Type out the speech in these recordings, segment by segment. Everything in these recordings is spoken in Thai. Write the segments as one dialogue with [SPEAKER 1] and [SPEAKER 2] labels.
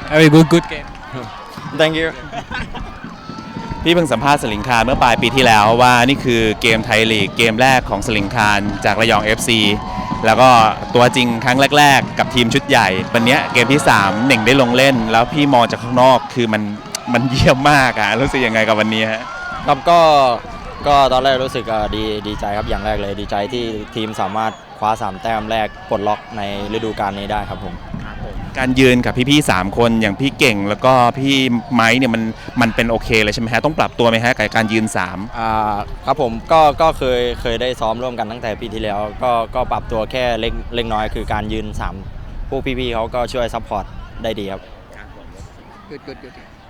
[SPEAKER 1] very good game
[SPEAKER 2] Thank you
[SPEAKER 3] พี่เพิ่งสัมภาษณ์สลิงคารเมื่อปลายปีที่แล้วว่านี่คือเกมไทยลีกเกมแรกของสลิงคารจากระยอง FC แล้วก็ตัวจริงครั้งแรกๆกับทีมชุดใหญ่วันนี้เกมที่3เหน่งได้ลงเล่นแล้วพี่มองจากข้างนอกคือมันเยี่ยมมากอะรู้สึกยังไงกับวันนี้ฮะ
[SPEAKER 2] ครับก็ตอนแรกรู้สึกดีใจครับอย่างแรกเลยดีใจที่ทีมสามารถคว้า3แต้มแรกปลดล็อกในฤดูกาลนี้ได้ครับผม
[SPEAKER 3] การยืนกับพี่ๆ3คนอย่างพี่เก่งแล้วก็พี่ไม้เนี่ยมันเป็นโอเคเลยใช่ไหมฮะต้องปรับตัวไหมฮะกับการยืน
[SPEAKER 2] ครับผมก็เคยได้ซ้อมร่วมกันตั้งแต่ปีที่แล้วก็ปรับตัวแค่เล็กน้อยคือการยืน3พวกพี่ๆเขาก็ช่วยซัพพอร์ตได้ดีครับ
[SPEAKER 1] good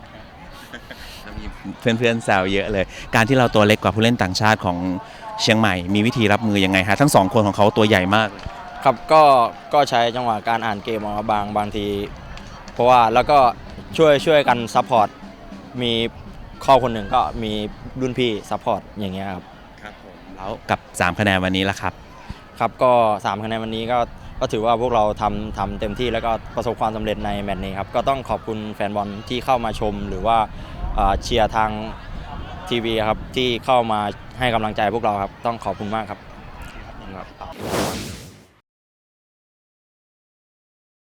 [SPEAKER 3] เพื่อนๆแซวเยอะเลยการที่เราตัวเล็กกว่าผู้เล่นต่างชาติของเชียงใหม่มีวิธีรับมือยังไงฮะทั้ง2คนของเขาตัวใหญ่มาก
[SPEAKER 2] ครับก็ใช้จังหวะการอ่านเกมเอาบางทีเพราะว่าแล้วก็ช่วยกันซัพพอร์ตมีข้อคนหนึ่งก็มีรุ่นพี่ซัพพอร์ตอย่างเงี้ยครับ
[SPEAKER 3] ครับผมแล้วกับ3คะแนนวันนี้ล่ะครับ
[SPEAKER 2] ครับก็3คะแนนวันนี้ก็ถือว่าพวกเราทำเต็มที่แล้วก็ประสบความสำเร็จในแมตช์นี้ครับก็ต้องขอบคุณแฟนบอลที่เข้ามาชมหรือว่าเชียร์ทางทีวีครับที่เข้ามาให้กำลังใจพวกเราครับต้องขอบคุณมากครับ